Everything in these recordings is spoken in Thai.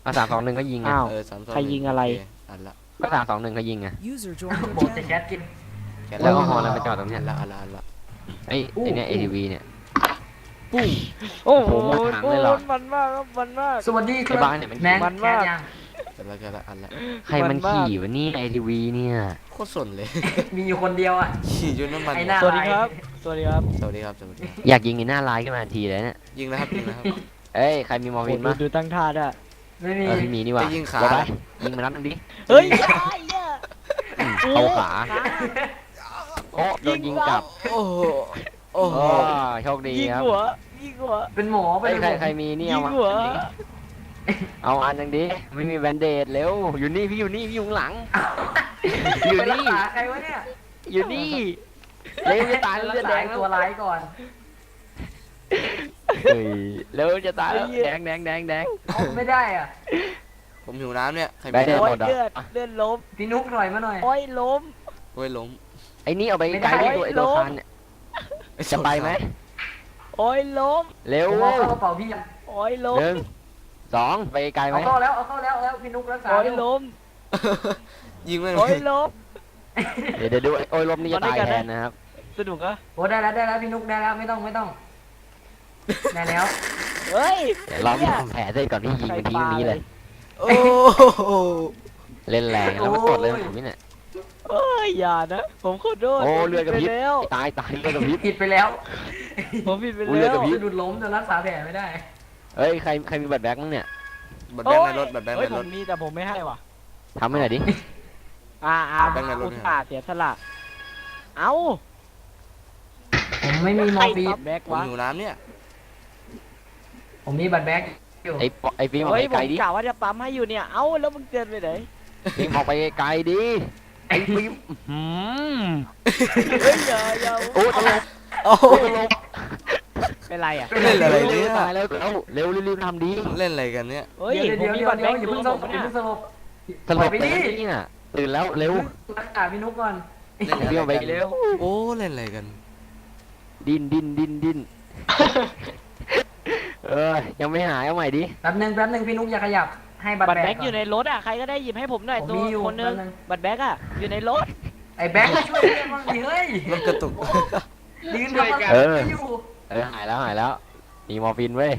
3-2-1ก็ยิงไงอ้าว 3-2-1 ใครยิงอะไรอันละก็3-2-1ก็ยิงไง User joined your โบจะ channel. แคสกินแค่แล้วก็ฮอลแล้วมาจอดตรงเนี้อัยนละอันละอันละไอ้เนี่ย ATV เนี่ยปุ้งโอ้โหโอ้โหหมดถังเลยเหรอมันมากครับมันมากสวัสดีคไอ้รับบ้านเนี่ยมันแมงมันแคมากสยังแค่ละอันละใครมันขี่วะนี่ ATV เนี่ยโคตรสนเลยมีอยู่คนเดียวอ่ะขี่จนน้ำมันไอ้หน้าสวัสดีครับ สวัสดีครับสวัสดีครับสวัสดีครับอยากยิงไอ้หน้าลายขึ้นมาทันทีเลยเนี่ยยิงแล้วครับยิงแล้วครับเอ้ยใครมีมอร์ฟินดูมั้ยดูตั้งท่าด้วยไม่มีพี่มีนี่ว่ะจะยิงขาเดี๋ยวไปยิงมานัดนึงดิเฮ้ยไอ้เนี่ยเข้าขาโอ้โดนยิงกลับโอ้โหโอ้โหโอ้โชคดียิงครับหัวยิงหัวเป็นหมอไปเอ้ยเลยใครมีนี่ยิเอางมาหัวเอาอันหนึงดิไม่มีแบนเดดเร็วอยู่นี่พี่อยู่นี่พี่อยู่ข้างหลัง ออยู่ยู่รักนี่ษาใครวะเนี่ยอยู่นี่เร็วจะตายแล้วรักเลือดษาแดงไอ้แล้วตัวร้ายก่อนเฮ้ยเร็วจะตายแล้วแดงแดงแดงแดงเอาไม่ได้อ่ะผมหิวน้ำเนี่ยใครได้มีเดี๋ยวโอ้น้ำยหมดอะเลือดล้มพี่นุ๊กถอยมาหน่อยโอ้ยล้มโอ้ยล้มไอ้นี่เอาไปไกลดิตัวไอ้ตัวคานเนี่ยจะไปไหมโอ้ยล้มเร็วผมเอาเข้ากระเป๋าพี่ยังโอ้ยล้ม 1 2ไปไกลไหมเอาเข้าแล้วเอาเข้าแล้วพี่นุ๊กรักษาโอ้ยเร็วล้มยิงไม่โอ้ยล้มเดี๋ยวดูโอ้ยลมนี่จะตายแทนนะครับสนุกอะโอ้ได้แล้วพี่นุ๊กได้แล้วไม่ต้องได้แล้วเฮ้ยเดี๋ยวเราไปทำแผลเสร็จก่อนที่ยิงไปทีนี้เลยโอ้โหเล่นแรงแล้วมันกดเลยผมนี่เนี่ยเอ้ยอย่านะผมขอโทษโอ้เลือดกระพริบไปแล้วตายเลือดกระพริบผิดไปแล้วผมผิดไปอุ้ยเลืแล้อดวกระพริบสะดุดล้มจนรักษาแผลไม่ได้เอ้ยใครมีบัตรแบ็คมั้งเนี่ยบัตรแบงค์ในรถบัตรแบงค์เฮ้ยในผรมถมีแต่ผมไม่ให้ว่ะทำให้หน่อยดิแบงค์ในรถอุตส่าห์เสียสละเอ้าผมไม่มีมอร์ฟีนใครแบ็กผมวะหิวน้ำเนี่ยผมมีบัตรแบ็กอยู่ไอ้ฟิล์มออกเฮ้ยไปผไกลมดิกะว่าจะปั๊มให้อยู่เนี่ย เอ้าแล้วมึงเกินไปไหนฟิล์มออกไปไกลดิไอ้ฟิล์มเฮ้ยอย่าโอ้ตลกโอ้โหตลกเป็นไรอ่ะเล่นอะไรเนี่ยตายแล้วเร็วรีบทำดีเล่นอะไรกันเนี่ยเฮ้ยเดี๋ยวผมมีเดี๋ยวบัตรแบ็กอย่าอยู่เพิ่งผสลมบอย่าเนี่ยเพิ่งสลบตลกไปไปดิเนี่ยตื่นแล้วเร็วรักษาพี่นุ๊กก่อนเล่นอะไรฟิล์มออกไปกันเร็วโอ้เล่นอะไรกันดิ้นยังไม่หายเอาใหม่ดิแป๊บนึงพี่นุ๊กอย่าขยับให้บัตรบัตรแบ็แบ็กกอยู่ในรถอ่ะใครก็ได้หยิบให้ผมหน่อยผมตัวมีอยู่คนนึงแป๊บนึงบัตรแบ็กอ่ะอยู่ในรถไอ้แบ็กช่วยเรียกบ้างดิเฮ้ยมันกระตุกยืนทำอะไรอยู่หายแล้วมีมอร์ฟินเว้ย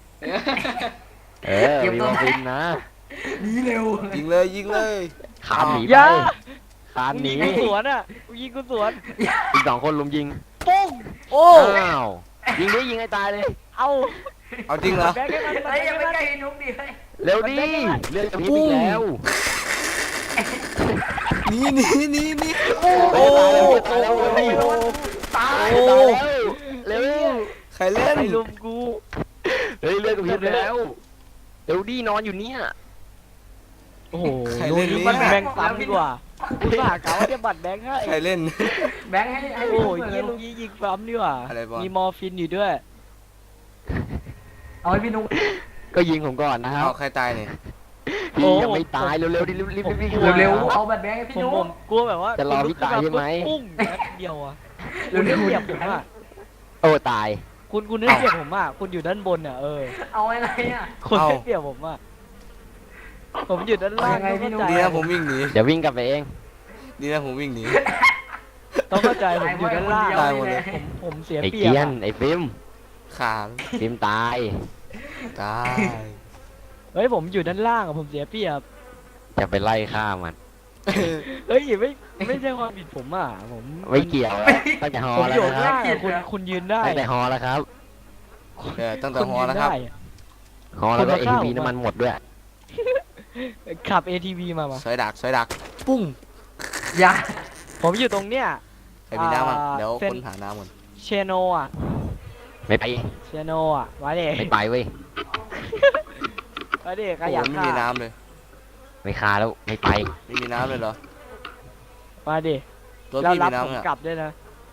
มีมอร์ฟินนะดีเร็วยิงเลยยิงเลยคานหนีอไปย่าคานหนียิงกูสวนอ่ะกูยิงกูสวนอีก2 คนลุมยิงปุ้งโอ้อ้าวยิงดิยิงให้ตายเลยเอาเอาจริงเหรอแบ็กให้มันเฮ้ยอย่าไปใกล้พี่นุ๊กดิเฮ้ยเร็วดิเลือดกระพริบอีกแล้วนี่โอ้โอ้ตายแล้วเร็วตายโอ้เร็วใครเล่นไอ้ลุมกูเฮ้ยเลือดกระพริบแล้วเร็วดินอนอยู่เนี่ยโอ้โหใครเล่นลุยเนี่มันยแบ่งซ้ำดีกว่าคุณผ่ากาว่าจะบัตรแบงค์ให้ใครเล่นแบงค์ให้โอ้พี่นุ๊กยยี่ลุงยี่ยิงซ้ำดีกว่าอะไรบอลมีมอร์ฟินอยู่ด้วยเอาให้พี่นุ๊กก็ยิงผมก่อนนะครัเอาบใครตายเนี่ยพี่ยังไม่ตายเร็วๆดิรีบเร็วๆเอาบัตรแบงค์ให้พี่ผมนุ๊ผกมกลัวแบบว่าจะรอพี่ตายใช่ไหมปุ้งแป๊บเดียวอ่ะเร็คุณวๆได้เปรียบผมอ่ะโอ้ตายคุณได้เปรียบผมอ่ะคุณอยู่ด้านบนอ่ะเอาอะไรอ่ะคุณได้เปรียบผมอ่ะผมอยู่ด้านล่างเอายังไงพี่นุ๊กดีนะผมวิ่งหนีเดี๋ยววิ่งกลับไปเองดีนะผมวิ่งหนีต้องเข้าใจผมอยู่ด้านล่างตายหมดเลยผมเสียไอ้เปรียเกีบยนอะไอ้ฟิล์มขาฟิล์มตายตายเฮ้ยผมอยู่ด้านล่างอะผมเสียเปรียบจะไปไล่ฆ่ามันเฮ้ยไม่ใช่ความผิดผมอ่ะผมไม่เกี่ยวตั้งแต่ฮอผมแล้วอยู่นะข้างครับล่างอะคุณยืนได้ตั้งแต่ฮอแล้วครับตั้งแต่คุณฮอยืนแล้วครับได้อะฮอแล้วก็คุณมา ATV เข้าน้ำมันหมดด้วยขับ ATV มาสอยดักปุ้งอย่าผมอยู่ตรงเนี้ยใครมีน้ำมั้งอ่าเดี๋ยวเส้นคนหาน้ำก่อนเชโนอ่ะไม่ไปเชโนอ่ะมาดิไม่ไปเว้ยมาดิใครโอ้อยากไม่ฆ่ามีน้ำเลยไม่ฆ่าแล้วไม่ไปไม่มีน้ำเลยเหรอมาดิรถแล้วพี่รัมีบผมน้ำเนี่ยกลับด้วยนะ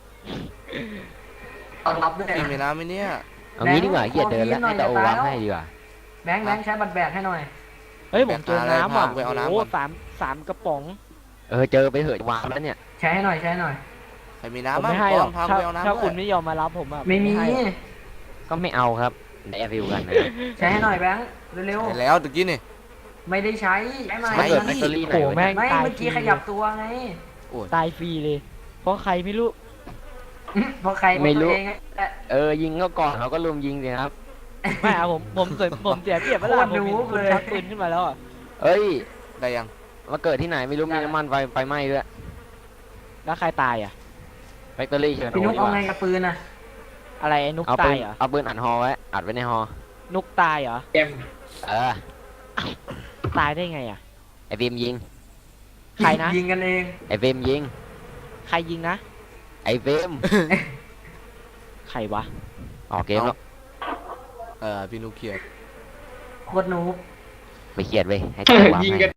เอารับด้วยพี่มีน้ำไหมเนี่ยเอางี้ดีกว่าเกียดเดินแล้วให้ตาโอวางให้ดีกว่าแบงค์ใช้บัตรแบกให้หน่อยเฮ้ยผมเจอน้ำอ่ะไปเอาน้ำโอ้ก่อนสามกระป๋องเจอไปเหอะวางแล้วเนี่ยใช้ให้หน่อยใครมีผมน้ำบ้างไม่ให้หรอกพาถ้าไปเอาน้ำถ้าด้คุวณยไม่ยอมมารับผมอ่ะไม่มีให้หรอกก็ไม่เอาครับแอร์ฟิวกันนะใช้ให้หน่อยแบงค์เร็วไปแล้วตะกี้นี่ไม่ได้ใช้ใช้ไหมมันเกิดแบตเตอรี่ไหนโอ้วะแม่เนี่ยงไม่ตายเมื่อฟกี้รีขยับตัวไงตายฟรีเลย เพราะใครไม่รู้เพราะใครไม่รู้ตัวเองอะยิงเขาก่อนเขาก็ลุมยิงสิครับไม่เอาผมเสียเปรียบเวลาผมเห็นคุณชักปืนขึ้นมาแล้วอ่ะเอ้ยได้ยังมาเกิดที่ไหนไม่รู้มีน้ำมันไฟไหม้ด้วยแล้วใครตายอ่ะแบตเตอรี่เชิญพี่นุ๊กดีเอาว่าไงกับปืนอ่ะอะไรไอ้นุกเอาปืตาน ยเหรอเอาปืนอัดฮอไว้อัดไว้ในฮอนุกตายเหรอเออตายได้ไงอ่ะไอฟิล์มยิงใครนะยิงกันเองไอฟิล์มยิงใครยิงนะไอฟิล์มใครวะออกเกมแล้วพี่นุกเขียดโคตรนูบไปเครียดเว้ยให้จังหวะให้